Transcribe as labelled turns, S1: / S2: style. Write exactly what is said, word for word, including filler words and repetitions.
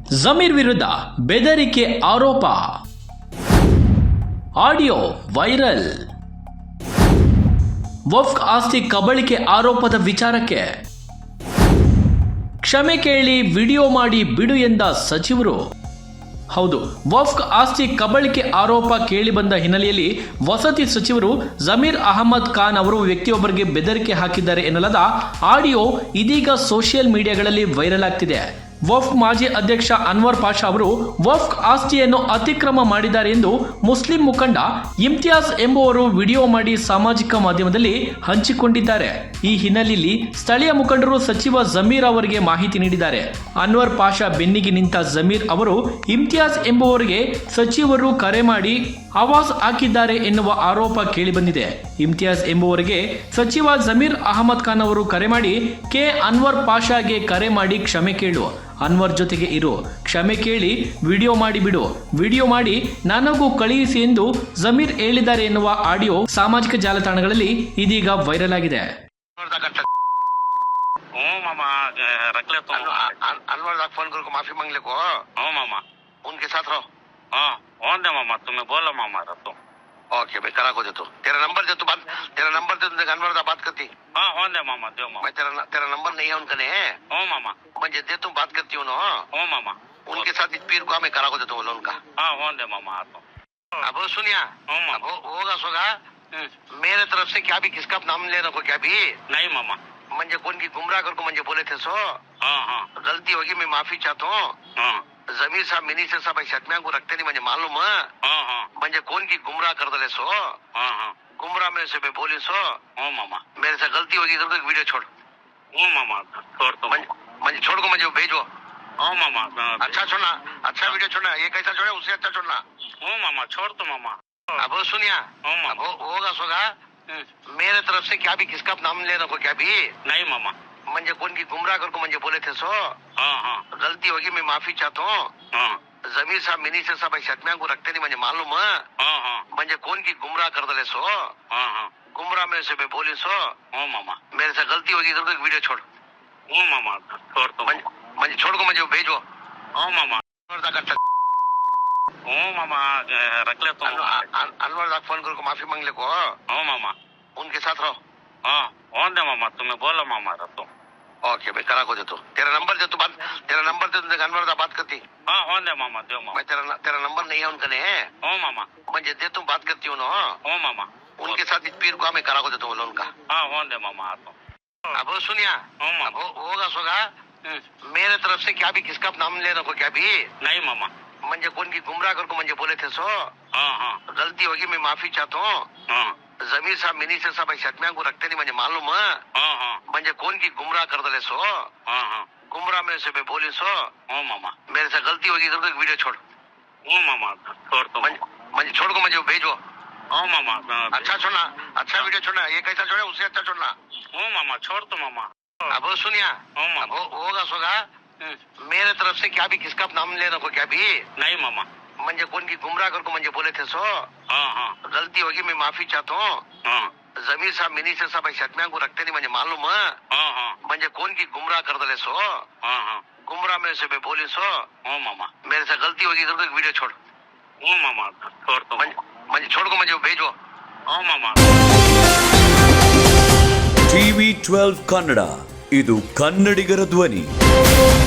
S1: ಜಮೀರ್ ವಿರುದ್ಧ ಬೆದರಿಕೆ ಆರೋಪ, ಆಡಿಯೋ ವೈರಲ್. ವಕ್ಫ್ ಆಸ್ತಿ ಕಬಳಿಕೆ ಆರೋಪದ ವಿಚಾರಕ್ಕೆ ಕ್ಷಮೆ ಕೇಳಿ ವಿಡಿಯೋ ಮಾಡಿ ಬಿಡು ಎಂದ ಸಚಿವರು. ಹೌದು, ವಕ್ಫ್ ಆಸ್ತಿ ಕಬಳಿಕೆ ಆರೋಪ ಕೇಳಿಬಂದ ಹಿನ್ನೆಲೆಯಲ್ಲಿ ವಸತಿ ಸಚಿವರು ಜಮೀರ್ ಅಹಮದ್ ಖಾನ್ ಅವರು ವ್ಯಕ್ತಿಯೊಬ್ಬರಿಗೆ ಬೆದರಿಕೆ ಹಾಕಿದ್ದಾರೆ ಎನ್ನಲಾದ ಆಡಿಯೋ ಇದೀಗ ಸೋಷಿಯಲ್ ಮೀಡಿಯಾಗಳಲ್ಲಿ ವೈರಲ್ ಆಗ್ತಿದೆ. ವಕ್ಫ್ ಮಾಜಿ ಅಧ್ಯಕ್ಷ ಅನ್ವರ್ ಪಾಷಾ ಅವರು ವಕ್ಫ್ ಆಸ್ತಿಯನ್ನು ಅತಿಕ್ರಮ ಮಾಡಿದ್ದಾರೆ ಎಂದು ಮುಸ್ಲಿಂ ಮುಖಂಡ ಇಮ್ತಿಯಾಜ್ ಎಂಬುವರು ವಿಡಿಯೋ ಮಾಡಿ ಸಾಮಾಜಿಕ ಮಾಧ್ಯಮದಲ್ಲಿ ಹಂಚಿಕೊಂಡಿದ್ದಾರೆ. ಈ ಹಿನ್ನೆಲೆಯಲ್ಲಿ ಸ್ಥಳೀಯ ಮುಖಂಡರು ಸಚಿವ ಜಮೀರ್ ಅವರಿಗೆ ಮಾಹಿತಿ ನೀಡಿದ್ದಾರೆ. ಅನ್ವರ್ ಪಾಷಾ ಬೆನ್ನಿಗೆ ನಿಂತ ಜಮೀರ್ ಅವರು ಇಮ್ತಿಯಾಜ್ ಎಂಬುವರಿಗೆ ಸಚಿವರು ಕರೆ ಮಾಡಿ ಆವಾಜ್ ಹಾಕಿದ್ದಾರೆ ಎನ್ನುವ ಆರೋಪ ಕೇಳಿಬಂದಿದೆ. ಇಮ್ತಿಯಾಜ್ ಎಂಬುವರಿಗೆ ಸಚಿವ ಜಮೀರ್ ಅಹಮದ್ ಖಾನ್ ಅವರು ಕರೆ ಮಾಡಿ ಕೆ ಅನ್ವರ್ ಪಾಷಾಗೆ ಕರೆ ಮಾಡಿ ಕ್ಷಮೆ ಕೇಳು, ಅನ್ವರ್ ಜೊತೆಗೆ ಇರು, ಕ್ಷಮೆ ಕೇಳಿ ವಿಡಿಯೋ ಮಾಡಿ ಬಿಡು, ವಿಡಿಯೋ ಮಾಡಿ ನನಗೂ ಕಳುಹಿಸಿ ಎಂದು ಜಮೀರ್ ಹೇಳಿದ್ದಾರೆ ಎನ್ನುವ ಆಡಿಯೋ ಸಾಮಾಜಿಕ ಜಾಲತಾಣಗಳಲ್ಲಿ ಇದೀಗ ವೈರಲ್ ಆಗಿದೆ.
S2: मामा रख ले तुम
S3: अनवर दा फोन करके माफी मांग ले को।
S2: हाँ मामा
S3: उनके साथ रहो।
S2: हाँ कौन दे मामा, तुम्हें बोला मामा रख तुम।
S3: ओके भाई करा को दे तू, तेरा नंबर दे तू, बात तेरा नंबर दे तू, अनवर दा बात करती।
S2: हाँ कौन दे मामा, दे मामा।
S3: मैं तेरा तेरा नंबर नहीं है उनका, नहीं है।
S2: हाँ मामा
S3: मुझे दे तू, बात करती हूँ ना।
S2: हाँ मामा
S3: उनके साथ इस पीर को मैं करा को दे तू बोलो उनका।
S2: हाँ कौन दे मामा आ तुम।
S3: अब सुनिया, अब होगा सोगा मेरे तरफ से क्या भी किसका नाम लेना को क्या भी
S2: नहीं मामा,
S3: म्हणजे कोण की गुमराह कर को मुझे बोले थे सो।
S2: हाँ हाँ
S3: गलती होगी, मैं माफी चाहता हूँ।
S2: हाँ
S3: जमीर साहब मिनिस्टर साहब शतम्या को रखते नहीं मुझे मालूम है।
S2: हाँ हाँ
S3: म्हणजे कोण की गुमराह कर दले सो।
S2: हाँ हाँ
S3: गुमराह में से मैं बोली सो।
S2: हाँ मामा
S3: मेरे से गलती होगी तो एक वीडियो छोड़।
S2: हाँ मामा छोड़ तुम।
S3: मुझे छोड़ को मुझे भेजो।
S2: हाँ मामा
S3: अच्छा छोड़ना, अच्छा वीडियो छोड़ना, ये कैसा छोड़े उससे अच्छा छोड़ना।
S2: हाँ मामा छोड़ तो मामा।
S3: अब सुनिया,
S2: हाँ
S3: अब
S2: मामा
S3: होगा सोगा मेरे तरफ से क्या भी किसका नाम लेना को क्या भी
S2: नहीं मामा,
S3: म्हणजे कोण की गुमराह कर को मुझे बोले थे सो।
S2: हाँ हाँ
S3: गलती होगी, मैं माफी चाहता हूँ।
S2: हाँ
S3: जमीर साहब मिनिस्टर साहब शतम्या को रखते नहीं मुझे मालूम है।
S2: हाँ हाँ
S3: म्हणजे कोण की गुमराह कर दले सो।
S2: हाँ हाँ
S3: गुमराह में से मैं बोली सो।
S2: हाँ मामा
S3: मेरे से गलती होगी तो एक वीडियो छोड़।
S2: हाँ मामा छोड़ तुम।
S3: मुझे छोड़ को मुझे भेजो।
S2: हाँ मामा हाँ मामा रख ले तुम।
S3: अनवर दा फोन करके माफी मांग ले को।
S2: हाँ मामा
S3: उनके साथ रहो।
S2: हाँ कौन दे मामा, तुम्हें बोला मामा रख तुम।
S3: ओके भाई करा को दे तू, तेरा नंबर दे तू, बात तेरा नंबर दे तू, अनवर दा बात करती।
S2: हाँ कौन दे मामा, दे मामा।
S3: मैं तेरा तेरा नंबर नहीं है उनका, नहीं है।
S2: हाँ मामा
S3: मुझे दे तू, बात करती हूँ ना।
S2: हाँ मामा
S3: उनके साथ इस पीर को मैं करा को दे तू बोलो उनका।
S2: हाँ कौन दे मामा आ तुम।
S3: अब सुनिया,
S2: हाँ
S3: अब
S2: मामा
S3: होगा सोगा मेरे तरफ से क्या भी किसका नाम लेना को क्या भी
S2: नहीं मामा,
S3: म्हणजे कोण की गुमराह कर को मुझे बोले थे सो।
S2: हाँ हाँ
S3: गलती होगी, मैं माफी चाहता हूँ।
S2: हाँ
S3: जमीर साहब मिनिस्टर साहब शतम्या को रखते नहीं मुझे मालूम है।
S2: हाँ हाँ
S3: म्हणजे कोण की गुमराह कर दले सो।
S2: हाँ हाँ
S3: गुमराह में से मैं बोली सो।
S2: हाँ मामा
S3: मेरे से गलती होगी तो एक वीडियो छोड़।
S2: हाँ मामा छोड़ तुम।
S3: मुझे छोड़ को मुझे भेजो।
S2: हाँ मामा
S3: अच्छा छोड़ना, अच्छा वीडियो छोड़ना, ये कैसा छोड़े उससे अच्छा छोड़ना।
S2: हाँ मामा छोड़ तो मामा।
S3: अब सुनिया,
S2: हाँ
S3: अब
S2: मामा
S3: होगा सोगा मेरे तरफ से क्या भी किसका नाम लेना को क्या भी
S2: नहीं मामा,
S3: म्हणजे कोण की गुमराह कर को मुझे बोले थे सो।
S2: हाँ हाँ
S3: गलती होगी, मैं माफी चाहता हूँ।
S2: हाँ
S3: जमीर साहब मिनिस्टर साहब शतम्या को रखते नहीं मुझे मालूम है।
S2: हाँ हाँ
S3: म्हणजे कोण की गुमराह कर दले सो।
S2: हाँ हाँ
S3: गुमराह में से मैं बोली सो।
S2: हाँ मामा
S3: मेरे से गलती होगी तो एक वीडियो छोड़।
S2: हाँ मामा छोड़ तुम।
S3: मुझे छोड़ को मुझे भेजो।
S2: हाँ मामा
S4: ಟಿವಿ ಟ್ವೆಲ್ವ್ ಕನ್ನಡ, ಇದು ಕನ್ನಡಿಗರ ಧ್ವನಿ.